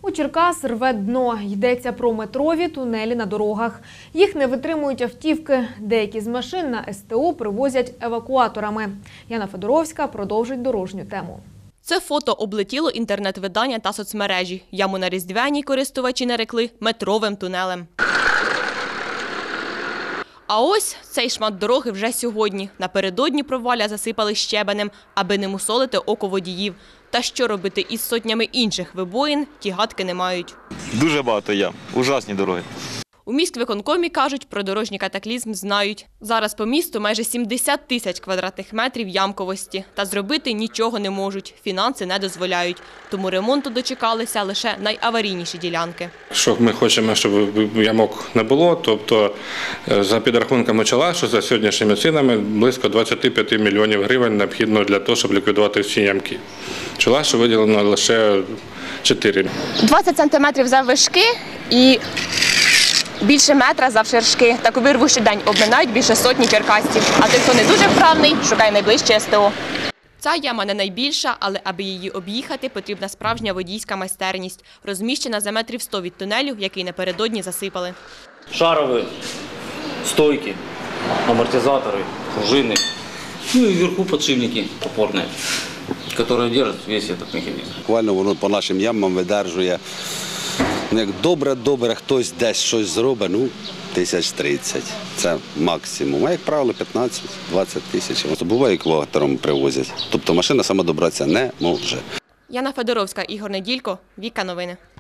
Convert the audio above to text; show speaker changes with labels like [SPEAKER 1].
[SPEAKER 1] У Черкас рве дно. Йдеться про метрові тунелі на дорогах. Їх не витримують автівки. Деякі з машин на СТО привозять евакуаторами. Яна Федоровська продовжить дорожню тему.
[SPEAKER 2] Це фото облетіло інтернет-видання та соцмережі. Яму на Різдвяній користувачі нарекли метровим тунелем. А ось цей шмат дороги вже сьогодні. Напередодні провалля засипали щебенем, аби не мусолити око водіїв. Та що робити із сотнями інших вибоїн, ті гадки не мають.
[SPEAKER 3] Дуже багато ям. Ужасні дороги.
[SPEAKER 2] У міськвиконкомі кажуть, про дорожній катаклізм знають. Зараз по місту майже 70 тисяч квадратних метрів ямковості. Та зробити нічого не можуть, фінанси не дозволяють. Тому ремонту дочекалися лише найаварійніші ділянки.
[SPEAKER 4] Що ми хочемо, щоб ямок не було, тобто за підрахунками ЧАЛА, що за сьогоднішніми цінами близько 25 мільйонів гривень необхідно для того, щоб ліквідувати всі ямки. ЧАЛА, що виділено лише 4.
[SPEAKER 2] 20 сантиметрів заввишки і більше метра завширшки. Таку вирву щодень обминають більше сотні черкасців. А той, хто не дуже вправний, шукає найближче СТО. Ця яма не найбільша, але аби її об'їхати, потрібна справжня водійська майстерність. Розміщена за метрів 100 від тунелю, який напередодні засипали.
[SPEAKER 5] Шаровые стойки, амортизаторы, пружины, ну и вверху подшипники опорные, которые держат весь этот механизм.
[SPEAKER 6] Буквально воно по нашим ямам видержує. Як добре, хтось десь щось зробить, 1030. Це максимум. А як правило 15-20 тисяч. Буває, екватором привозять. Тобто машина сама добратися не може.
[SPEAKER 2] Яна Федоровська, Ігор Неділько, Віка Новини.